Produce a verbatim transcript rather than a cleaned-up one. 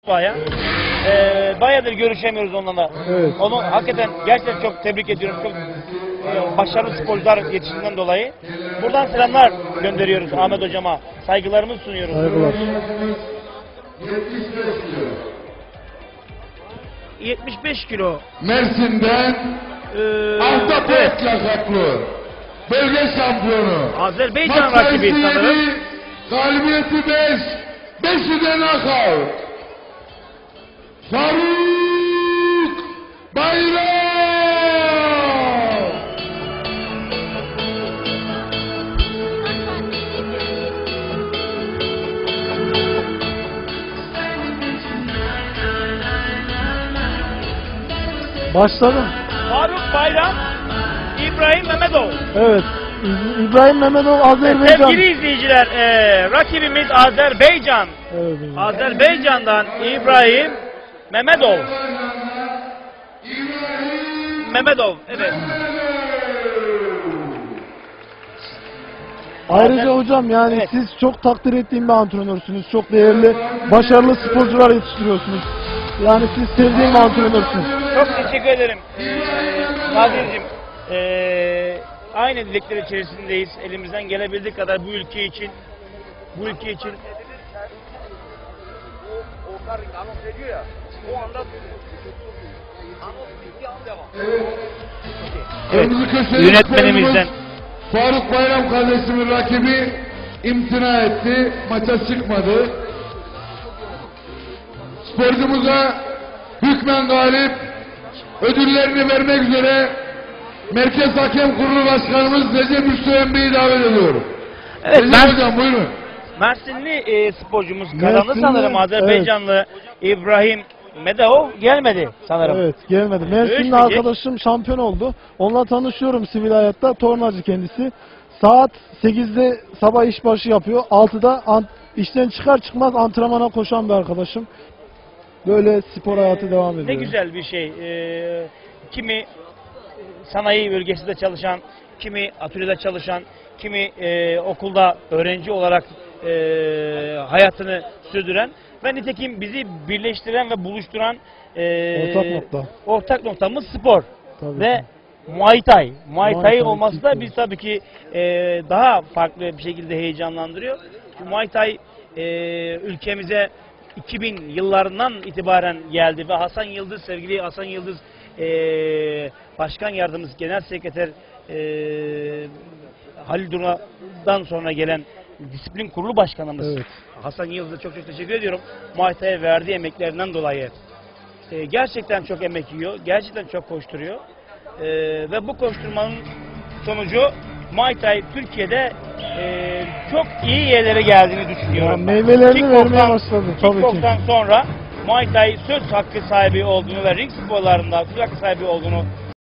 Mustafa'ya. Ee, bayağıdır görüşemiyoruz onunla. Evet. Onu hakikaten gerçekten çok tebrik ediyorum. Çok e, başarılı sporcular yetişiminden dolayı. Buradan selamlar gönderiyoruz Ahmet hocama. Saygılarımızı sunuyoruz. Saygılar. yetmiş beş kilo. Mersin'den Ee, Ahtapot evet. lakaplı bölge şampiyonu. Azerbaycan Maç rakibi sayısı sanırım. yedi, galibiyeti beş, beşi de knockout. Faruk Bayram. Başladım. Faruk Bayram, İbrahim Mehmetov. Evet. İ- İbrahim Mehmetov Azerbaycan. Sevgili izleyiciler, e, rakibimiz Azerbaycan. Evet. Azerbaycan'dan İbrahim Mehmetov. Mehmetov, evet. Ayrıca hocam yani Evet. siz çok takdir ettiğim bir antrenörsünüz. Çok değerli, başarılı sporcular yetiştiriyorsunuz. Yani siz sevdiğim bir antrenörsünüz. Çok teşekkür ederim. Ee, Nazir'cim, ee, aynı dilekler içerisindeyiz. Elimizden gelebildiği kadar bu ülke için, bu ülke için evet, Kırmızı köşeli yönetmenimizden sporcumuz Faruk Bayram kardeşimin rakibi imtina etti. Maça çıkmadı. Sporcumuza hükmen galip ödüllerini vermek üzere Merkez Hakem Kurulu Başkanımız Recep Üstü Emre'yi davet ediyorum. evet, Recep ben, Hocam buyurun. Mersinli e, sporcumuz kazandı Mersinli, sanırım. Azerbaycanlı İbrahim Mehmetov gelmedi sanırım. Evet, gelmedi. Mersinli Görüşmeyecek. arkadaşım şampiyon oldu. Onunla tanışıyorum sivil hayatta. Tornacı kendisi. Saat sekizde sabah işbaşı yapıyor. altıda ant- işten çıkar çıkmaz antrenmana koşan bir arkadaşım. Böyle spor hayatı devam ediyor. Ne güzel bir şey. Ee, kimi sanayi bölgesinde çalışan, kimi atölyede çalışan, kimi e, okulda öğrenci olarak e, hayatını sürdüren ve nitekim bizi birleştiren ve buluşturan e, Ortak nokta. ortak noktamız spor Tabii ve ki. Muay Thai. Muay Muay Thai Thai olması da kickbox. biz tabii ki e, daha farklı bir şekilde heyecanlandırıyor. Çünkü Muay Thai e, ülkemize iki bin yıllarından itibaren geldi ve Hasan Yıldız, sevgili Hasan Yıldız e, Başkan Yardımcısı Genel Sekreter e, Halil Dura'dan sonra gelen Disiplin Kurulu Başkanımız Evet. Hasan Yıldız'a çok çok teşekkür ediyorum. Muay Thai'ye verdiği emeklerinden dolayı. E, gerçekten çok emek yiyor, gerçekten çok koşturuyor. E, ve bu koşturmanın sonucu Muay Thai Türkiye'de e, çok iyi yerlere geldiğini düşünüyorum. Ya, ben. meyvelerini Kickbox'tan- vermeye başladı tabii ki. Kickbox'tan sonra Muay Thai söz hakkı sahibi olduğunu ve ring sporlarında söz hakkı sahibi olduğunu